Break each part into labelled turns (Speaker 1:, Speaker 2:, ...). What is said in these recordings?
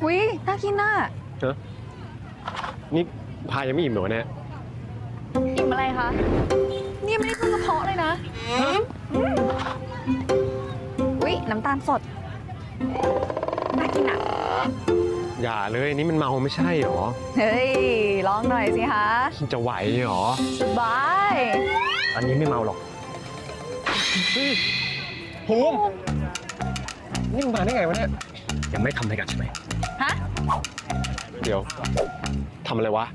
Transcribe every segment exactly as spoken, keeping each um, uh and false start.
Speaker 1: หุยน่ากินน่ะ
Speaker 2: เนอะนี่พายังไม่อิ่มเหรอเนี่ย
Speaker 1: อิ่มอะไรคะ นี่ไม่ได้ขึ้นกระเพาะเลยนะอุ้ยน้ำตาลสด น่ากินอ่ะ
Speaker 2: อย่าเลยนี่มันเมาไม่ใช่หรอ
Speaker 1: เฮ้ย ลองหน่อยสิคะ
Speaker 2: จะไหวหรอ
Speaker 1: สบาย
Speaker 2: อันนี้ไม่เมาหรอกภูมินี่มึงมาได้ไงวะเนี่ยยังไม่ทำอะไรกันใช่ไหม
Speaker 1: ฮะ
Speaker 2: เดี๋ยวทำอะไรวะ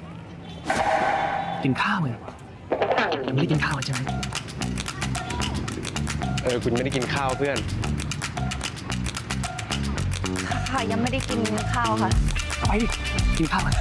Speaker 3: กินข้าวเลยยังไม่ได้กินข้าวใช่ไหม
Speaker 2: เออคุณไม่ได้กินข้าวเพื่อน
Speaker 1: ค่ะยังไม่ได้กินข้าวค่ะ
Speaker 3: ไปดิกินข้าวกัน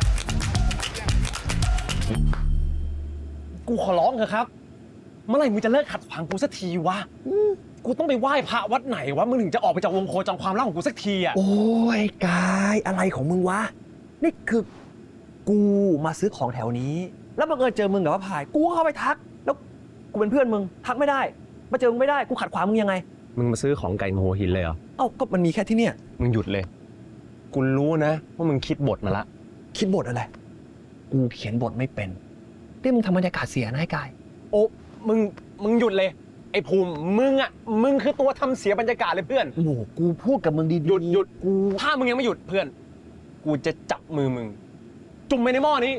Speaker 4: กูขอร้องเถอะครับ เมื่อไหร่มึงจะเลิกขัดขวางกูสักทีวะกูต้องไปไหว้พระวัดไหนวะมึงถึงจะออกไปจากวงโคจรความรักของกูสักทีอ่ะ
Speaker 3: โอ้ยกายอะไรของมึงวะนี่คือกูมาซื้อของแถวนี้ แล้วบังเอิญเจอมึงกับว่าพายกูก็เข้าไปทัก แล้วกูเป็นเพื่อนมึงทักไม่ได้มาเจอมึงไม่ได้กูขัดขวางมึงยังไง
Speaker 2: มึงมาซื้อของไก่โมโหหินเลยเหรอ
Speaker 3: เอ้าก็มันมีแค่ที่เนี่ย
Speaker 2: มึงหยุดเลย กูรู้นะว่ามึงคิดบทมาละ
Speaker 3: คิดบทอะไรกูเขียนบทไม่เป็นนี่มึงทำบรรยากาศเสียนะไอ้กาย
Speaker 4: โอ้มึงมึงหยุดเลยไอ้ภูมิมึงอ่ะมึงคือตัวทำเสียบรรยากาศเลยเพื่อน
Speaker 3: โอ้โหกูพูดกับมึงดีๆ
Speaker 4: หยุดหยุด
Speaker 3: กู
Speaker 4: ถ้ามึงยังไม่หยุดเพื่อน กูจะจับมือมึง จุ่มไปในหม้อนี้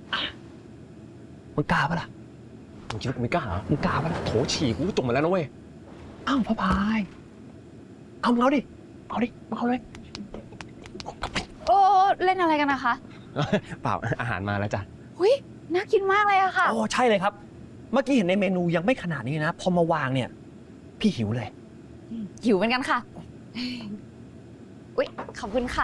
Speaker 3: มึงกล้าปะล่ะ
Speaker 4: มึงคิดว่ากูไม่กล้าเหรอ
Speaker 3: มึงกล้าปะล่ะ
Speaker 4: โถฉี่กูจุ่มมาแล้วนะเว้ย
Speaker 3: อ้าวพ่อพายเอามึงเอาดิเอาดิมาเอาเลย
Speaker 1: โอ้เล่นอะไรกันนะคะ
Speaker 2: เปล่าอาหารมาแล้วจ้ะ
Speaker 1: หุยน่ากินมากเลยอะค่ะ
Speaker 3: โอ้ใช่เลยครับ เมื่อกี้เห็นในเมนูยังไม่ขนาดนี้นะ พอมาวางเนี่ย พี่หิวเลย
Speaker 1: หิวเหมือนกันค่ะ อุ๊ย ขอบคุณค่ะ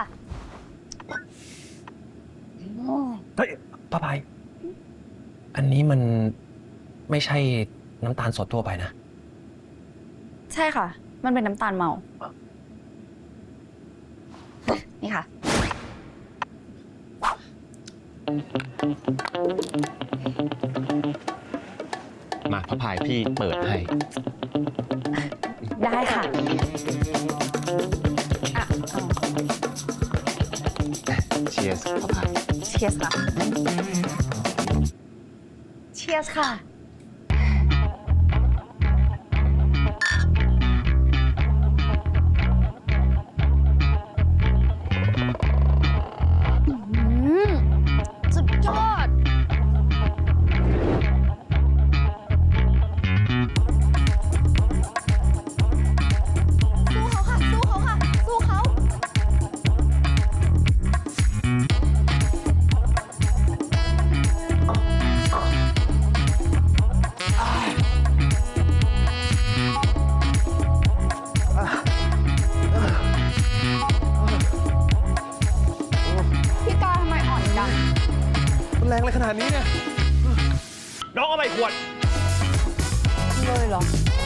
Speaker 1: โอ้
Speaker 3: เฮ้ยป้าพาย อันนี้มันไม่ใช่น้ำตาลสดทั่วไปนะ
Speaker 1: ใช่ค่ะ มันเป็นน้ำตาลเมา นี่ค่ะ
Speaker 2: มาพระพายพี่เปิดให้
Speaker 1: ได้ค่ะอ่ะเอา
Speaker 2: เชียร์พระพาย
Speaker 1: เชียร์ค่ะ เชียร์ค่ะ อืมสุดยอด สู้เขาค่ะ สู้เขาค่ะ สู้เขา พี่กาทำไมอ่อนจัง
Speaker 2: มันแรงอะไรขนาดนี้เนี่ย
Speaker 4: น้องเอาไปขวด
Speaker 1: เลยเหรอ